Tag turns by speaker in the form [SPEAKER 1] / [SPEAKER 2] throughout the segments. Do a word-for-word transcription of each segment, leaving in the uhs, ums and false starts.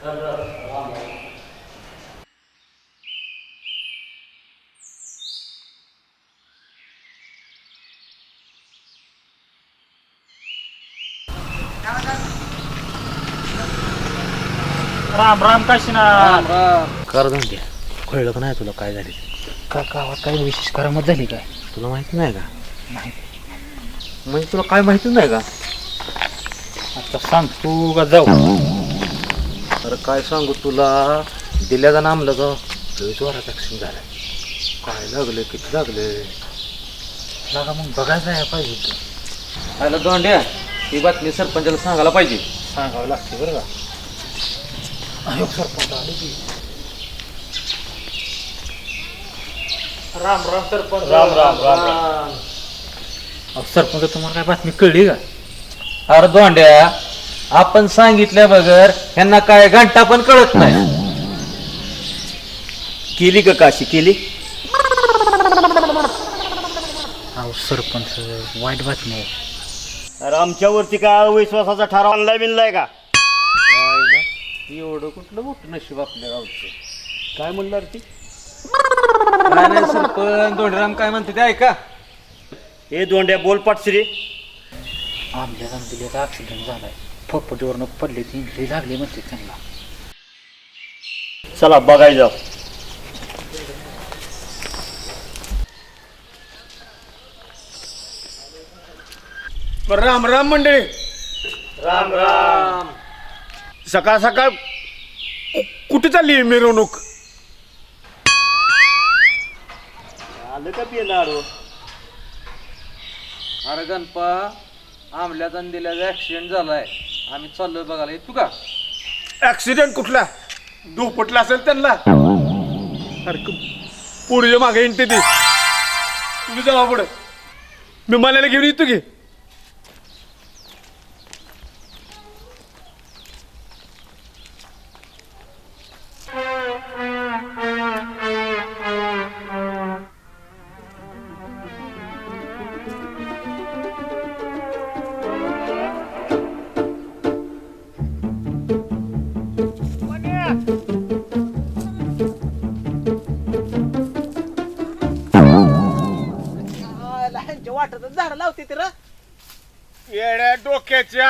[SPEAKER 1] राम राम काशीनाथ.
[SPEAKER 2] कर धंद्या कळलं का नाही तुला काय झाले?
[SPEAKER 1] का गावात काही विशेष करामत झाली काय?
[SPEAKER 2] तुला माहिती नाही का?
[SPEAKER 1] नाही.
[SPEAKER 2] म्हणजे तुला काय माहितीच नाही का?
[SPEAKER 1] आता सांग तू का जाऊ?
[SPEAKER 2] अरे काय सांगू तुला, दिल्याचा नामलं का जोरात ऍक्सिडेंट झाला. काय लागले, किती लागले
[SPEAKER 1] लागा मग बघायचं आहे पाहिजे.
[SPEAKER 2] आयला दोंड्या, ही बातमी सरपंचाला सांगायला पाहिजे.
[SPEAKER 1] सांगावं लागते बरं का. अयो सरपंच आले की. राम राम सरपंच.
[SPEAKER 2] राम राम राम राम.
[SPEAKER 1] अहो सरपंच, तुम्हाला काय बातमी कळली का?
[SPEAKER 2] अरे दोंड्या, आपण सांगितल्या बगर ह्यांना काय घंटा पण कळत नाही. केली का काशी केली?
[SPEAKER 1] अहो सरपंच, वाईट बातमी आहे.
[SPEAKER 3] अरे आमच्यावरती काय अविश्वासाचा ठराव आणलाय बिनलाय का?
[SPEAKER 2] एवढं कुठलं मोठं नशीब आपल्या गावचं.
[SPEAKER 3] काय म्हणणार ती?
[SPEAKER 2] काय नाही सरपंच, दोंडराम काय म्हणते ते ऐका.
[SPEAKER 3] हे दोंड्या बोल पाटश्री.
[SPEAKER 1] आमच्या दिलेला ऍक्सिडेंट झालाय. फपटीवरनं पडले, ती इंजरी लागली म्हणते त्यांना.
[SPEAKER 3] चला बघाय जाऊ.
[SPEAKER 4] राम राम मंडळी.
[SPEAKER 3] राम राम.
[SPEAKER 4] सकाळ सकाळ कुठे चालली मिरवणूक?
[SPEAKER 3] आलं का पिणार?
[SPEAKER 2] अरे गणपा, आमल्याचा दिल्याचा ऍक्सिडेंट झालाय, आम्ही चाललोय बघायला. येतो का?
[SPEAKER 4] ऍक्सिडेंट कुठला? दुपटला असेल त्यांना. अरे पुढे मागे येते ती. तुम्ही जावा पुढे, मी मनाला घेऊन येतो की.
[SPEAKER 5] वाटत झाड लावते ती र.
[SPEAKER 4] येड्या डोक्याच्या,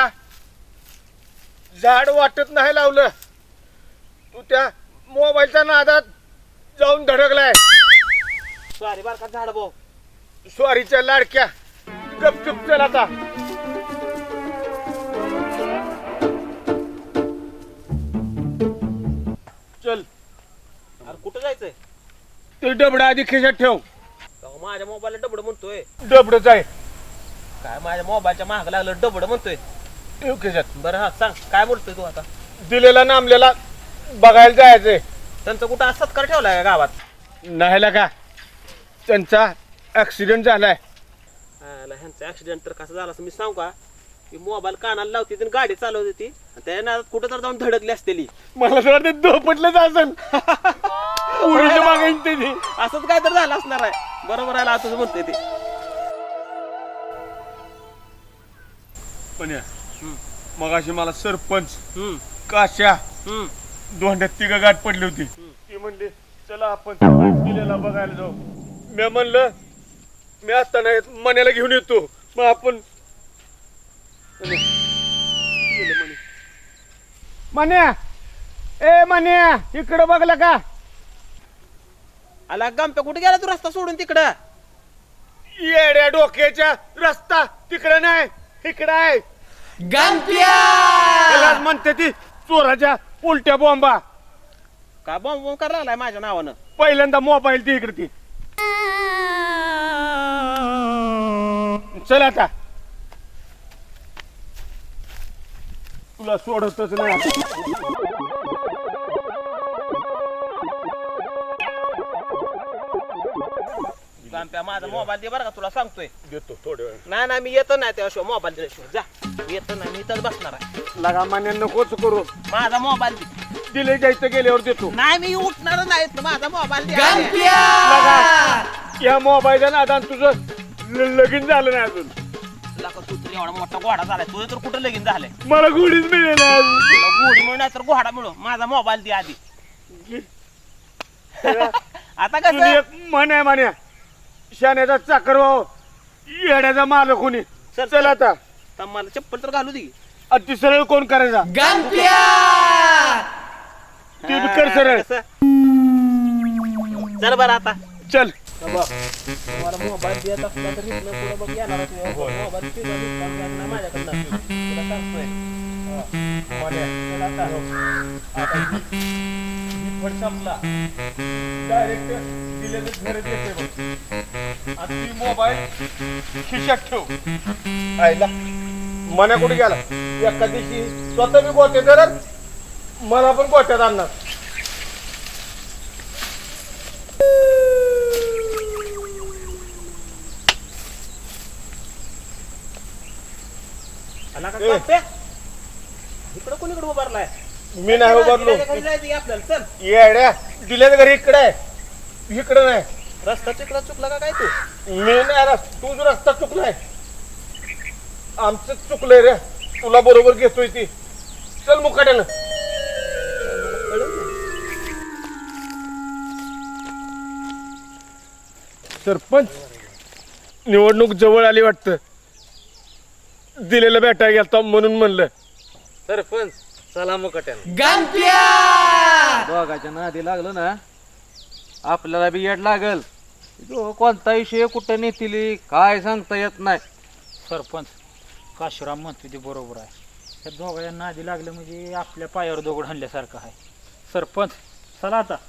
[SPEAKER 4] झाड वाटत नाही लावलं. तू त्या मोबाईलच्या नादात जाऊन धडकलाय.
[SPEAKER 5] सॉरी बार का झाड भाऊ.
[SPEAKER 4] स्वारीच्या लाडक्या, गपचूप चल आता. चल.
[SPEAKER 5] अरे कुठं जायचंय?
[SPEAKER 4] ते डबडा आधी खिशात ठेव.
[SPEAKER 5] अहो, माझ्या मोबाईलला डबड म्हणतोय.
[SPEAKER 4] डबडच आहे.
[SPEAKER 5] काय माझ्या मोबाईलच्या महाग लागलं डबड म्हणतोय.
[SPEAKER 4] ठेव खिशात.
[SPEAKER 5] बरं हा सांग, काय बोलतोय तू आता?
[SPEAKER 4] दिलेला नामलेला बघायला जायचंय.
[SPEAKER 5] त्यांचा कुठं असतात कर ठेवलाय का गावात?
[SPEAKER 4] नाही का, त्यांचा ऍक्सिडेंट झालाय.
[SPEAKER 5] आला, ह्यांचा ऍक्सिडेंट तर कसं झाला असं मी सांगू का? की मोबाईल कानाला लावते ती गाडी चालवते ती, त्या नादात कुठं तर जाऊन धडकली असतेली.
[SPEAKER 4] मला तर वाटतं दोपटलंच असेल. पुरीच्या मागे येते ती.
[SPEAKER 5] असंच काय तर झालं असणार आहे. बरोबर आहे, तुझं म्हणतोय ते.
[SPEAKER 4] पण मगाशी मला सरपंच,
[SPEAKER 5] हम्म
[SPEAKER 4] काश्या,
[SPEAKER 5] हम्म
[SPEAKER 4] दोंड्यात तिघ गाठ पडली होती. ती म्हणली चला आपण दिलेला बघायला जाऊ. मी म्हणलं मी आता नाही, मण्याला घेऊन येतो. मग आपण मन्या, ए मन्या, इकडं बघला का?
[SPEAKER 5] आला गंप्या, कुठे गेला तू रस्ता सोडून तिकडं?
[SPEAKER 4] येड्या डोक्याच्या, रस्ता तिकडे नाही, इकडे आहे. त्यालाच म्हणते ती चोराच्या उलट्या बॉम्बा.
[SPEAKER 5] का बॉम्ब बॉम्ब करायला लागलाय माझ्या नावानं?
[SPEAKER 4] पहिल्यांदा मोबाईल ती इकडे ती. चल आता, तुला सोडतच नाही.
[SPEAKER 5] गंप्या, माझा मोबाईल दे बरं का, तुला सांगतोय.
[SPEAKER 4] देतो थोड्या वेळ.
[SPEAKER 5] नाही नाही, मी येतो नाही त्याशिवाय मोबाईल दिल्याशिवाय. जा, मी येतो नाही, मी इथंच बसणार आहे.
[SPEAKER 4] लगा मान्य नकोच करू.
[SPEAKER 5] माझा मोबाईल दे.
[SPEAKER 4] दिले जायचं गेल्यावर देतो.
[SPEAKER 5] नाही, मी उठणार नाही. माझा मोबाईल दे.
[SPEAKER 4] लगा, या मोबाईलच्या नादान तुझं ल- लगीन झालं नाही अजून.
[SPEAKER 5] तुला का तू तर एवढा मोठा घोडा झालाय, तुझं तर कुठं लगीन झालंय?
[SPEAKER 4] मला गोडीच मिळेल.
[SPEAKER 5] घोडी मिळू नाही तर घोडा मिळू माझा मोबाईल दे आधी. आता
[SPEAKER 4] तुझी
[SPEAKER 5] कसं
[SPEAKER 4] एक मन आहे मान्या शाण्याचा चाकर व्हावं येड्याचा मालक कोणी.
[SPEAKER 5] सर,
[SPEAKER 4] चल आता
[SPEAKER 5] तर मला चप्पल तर घालू दे.
[SPEAKER 4] अति सरळ कोण करायचा ते बी कर सरळ.
[SPEAKER 5] कसं? चल बरं आता
[SPEAKER 4] चल
[SPEAKER 5] तुम्हाला मोबाईल देत असला तर इथनं पुढं बघ येणार मोबाईल माझ्याकडनं तुला सांगतोय.
[SPEAKER 4] संपला डायरेक्ट दिलेलं घरात येते बघ. आता ती मोबाईल खिशात ठेव. आईला मना कुठे गेला एका दिवशी स्वतः मी गोटे करत मला पण गोट्यात आणणार.
[SPEAKER 5] आला का काप्या? इकडं कोणीकडे उभारलाय?
[SPEAKER 4] मी नाही उभारलो.
[SPEAKER 5] घरी जायचं आपल्याला. चल
[SPEAKER 4] येड्या दिल्याचं घरी इकडे आहे इकडे नाही.
[SPEAKER 5] रस्ता तिकडं चुकला का काय तू?
[SPEAKER 4] मी नाही रस तूच रस्ता चुकलाय. आमचं चुकलंय रे तुला बरोबर घेतोय ती. चल मुकाट्यानं. सरपंच निवडणूक जवळ आली वाटतं. दिलेलं भेटाय गेलता म्हणून म्हणलं.
[SPEAKER 2] सरपंच चला मुकट्यानं. दोघाच्या नादी लागलं ना आपल्याला बी येड लागल. जो कोणता विषय कुठं नेतील काय सांगता येत नाही.
[SPEAKER 1] सरपंच काशीराम म्हणतो ते बरोबर आहे. त्या दोघांना आधी लागलं म्हणजे आपल्या पायावर दगड हाणल्यासारखं आहे. सरपंच चला आता.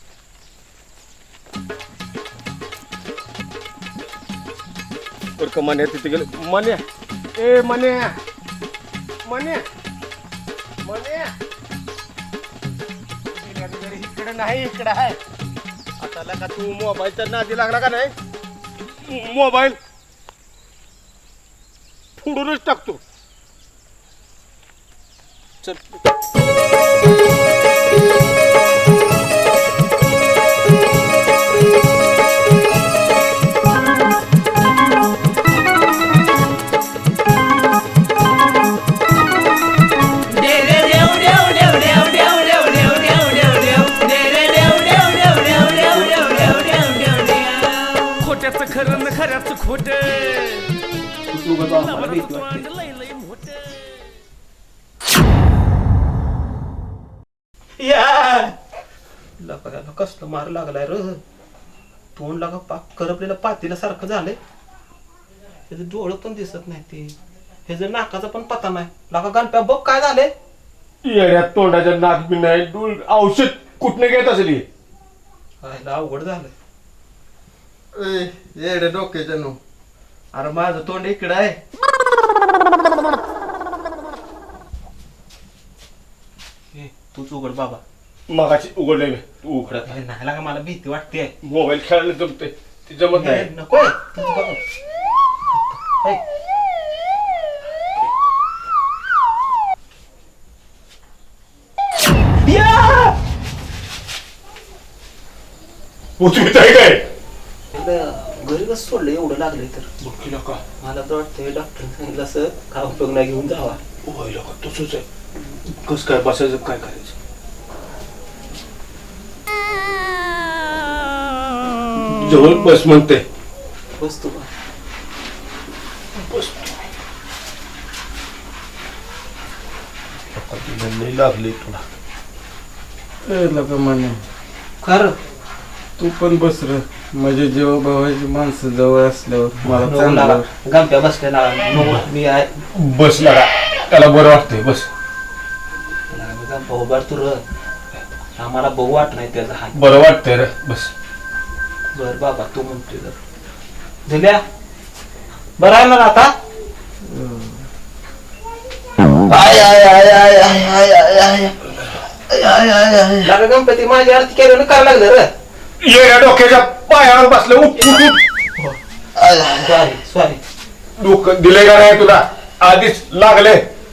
[SPEAKER 4] बरं का मान्या तिथे गेलं. मान्या ए मान्या मान्या मान्या इकडे नाही इकडे आहे. आता लगा तू मोबाईलच्या नादी लागला का नाही मोबाईल फोडूनच टाकतो. चल
[SPEAKER 6] खरं न खऱ्याच खोट
[SPEAKER 5] कसलं मार लागलाय र. तोंड लागा पाक करपलेलं पातीला सारखं झालंय. त्याचं डोळं पण दिसत नाही ते. हे जर नाकाचा पण पता नाही लागा. गणप्या बघ काय झालंय.
[SPEAKER 4] येड्यात तोंडाच्या नाक बी नाही. डोळ औषध कुठनं घेत असेल हे?
[SPEAKER 5] खायला अवघड झालंय.
[SPEAKER 7] येडे डोक्याच्या नो. अरे माझं तोंड इकडं आहे.
[SPEAKER 5] तूच उघड बाबा.
[SPEAKER 4] मगाशी उघडले मी तू उघडत
[SPEAKER 5] काय नाही लागा मला भीती वाटते.
[SPEAKER 4] मोबाईल खेळायला जमते ते जमत नाही.
[SPEAKER 5] नको
[SPEAKER 4] उचलीत आहे काय
[SPEAKER 5] घरी कसं सोडलं एवढं लागलंय तर.
[SPEAKER 4] बघ का
[SPEAKER 5] मला तर वाटतंय डॉक्टर सांगितलं असं काय उपयोग नाही घेऊन जावा.
[SPEAKER 4] व्हायला का तसंच आहे. कस काय बसायचं काय करायचं. जवळ बस म्हणते.
[SPEAKER 5] बस तू
[SPEAKER 4] बस नाही लागली तुला.
[SPEAKER 7] लका म्हणे
[SPEAKER 5] खरं
[SPEAKER 7] तू पण बस रे. म्हणजे जेव्हा भावाची माणसं जवळ असल्यावर मला चांगलं
[SPEAKER 5] गणप्या बसलेला मी आहे.
[SPEAKER 4] बस लागा त्याला बरं वाटतंय. बस
[SPEAKER 5] भाऊ बर तू र आम्हाला बघू वाट नाही त्याचा हात.
[SPEAKER 4] बरं वाटतंय रे. बस
[SPEAKER 5] बर बाबा तू म्हणतोय तर दिल्या बरं आहे ना आता.
[SPEAKER 7] आय आय आय आय आय आय आय आय आय आय आय
[SPEAKER 5] लागा गणपती माझी आरती केल्यानं करायला लागलं रे.
[SPEAKER 4] येड्या डोक्याच्या पायावर बसलं. उठ उठ उठ.
[SPEAKER 5] Sorry sorry.
[SPEAKER 4] डोकं दिले का नाही तुला आधीच लागले.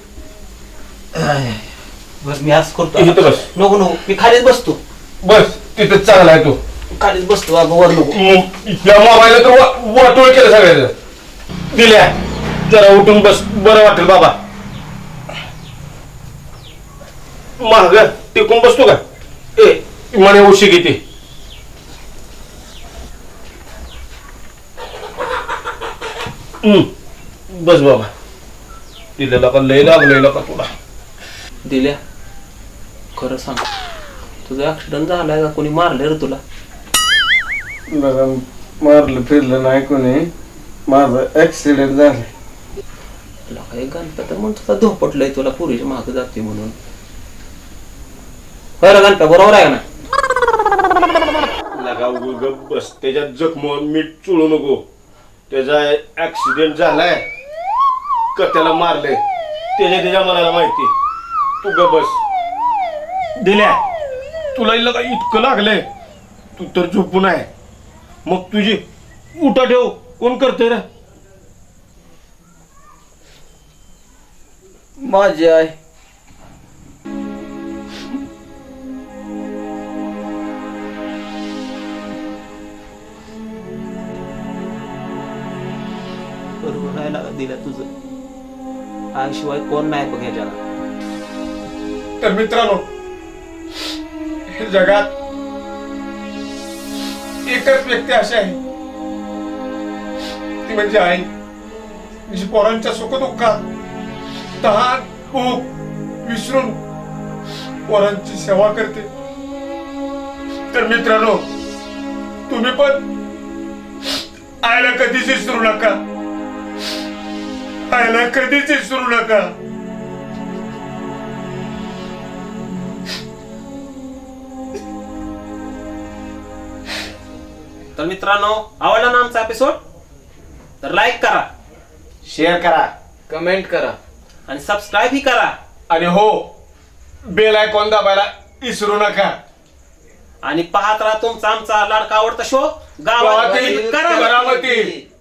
[SPEAKER 5] बर मी आज करतो.
[SPEAKER 4] इथं बस.
[SPEAKER 5] नको नको मी खालीच बसतो.
[SPEAKER 4] बस तिथं चांगला आहे तू.
[SPEAKER 5] खालीच बसतो बाबा वर नको.
[SPEAKER 4] या मोबाईलला तर वा- वाटोळ केलं सगळ्याचं. दिल्या जरा उठून बस बरं वाटेल बाबा. माग टिकून बसतो का ए म्हणे उशी किती बस बाबा दिलेला का लय लागलेला का तुला
[SPEAKER 5] दिल्या खरं सांग तुझा ऍक्सिडेंट झालाय का कोणी मारले रे तुला?
[SPEAKER 7] बघा मारलं फिरलं नाही कोणी, माझा ऍक्सिडेंट झालाय.
[SPEAKER 5] तुला काही गणपत म्हणतो धोपटलंय तुला पुरीच्या मागे जाते म्हणून. बरं गणपत बरोबर आहे ना?
[SPEAKER 4] लगा उग गप बस त्याच्यात जखम मीठ चुळू नको. त्याचा ऍक्सिडेंट झालाय का त्याला मारलंय त्याच्या त्याच्या मनाला माहिती. तू गप बस. दिल्या तुला लगा इतकं लागलंय तू तर झोपून आहे. मग तुझी उठा ठेव कोण करते रे?
[SPEAKER 5] माझी आई. बरोबर आहे लागा दिल्या तुझं. आईशिवाय कोण नाही बघ ह्याच्याला.
[SPEAKER 4] तर मित्रांनो हे जगात एकच व्यक्ती अशी आहे ती म्हणजे आई. जी पोरांच्या सुखदुःखात तहान भूक विसरून पोरांची सेवा करते. तर मित्रांनो तुम्ही पण आईला कधीच विसरू नका. आईला कधीच विसरू नका.
[SPEAKER 5] तर मित्रांनो आवडला ना आमचा एपिसोड तर लाईक करा,
[SPEAKER 3] शेअर करा,
[SPEAKER 2] कमेंट करा
[SPEAKER 5] आणि सबस्क्राईब ही करा.
[SPEAKER 4] आणि हो बेल आयकॉन दाबायला विसरू नका.
[SPEAKER 5] आणि पाहत राहा तुमचा आमचा लाडका आवडता शो गावातील
[SPEAKER 4] करामती.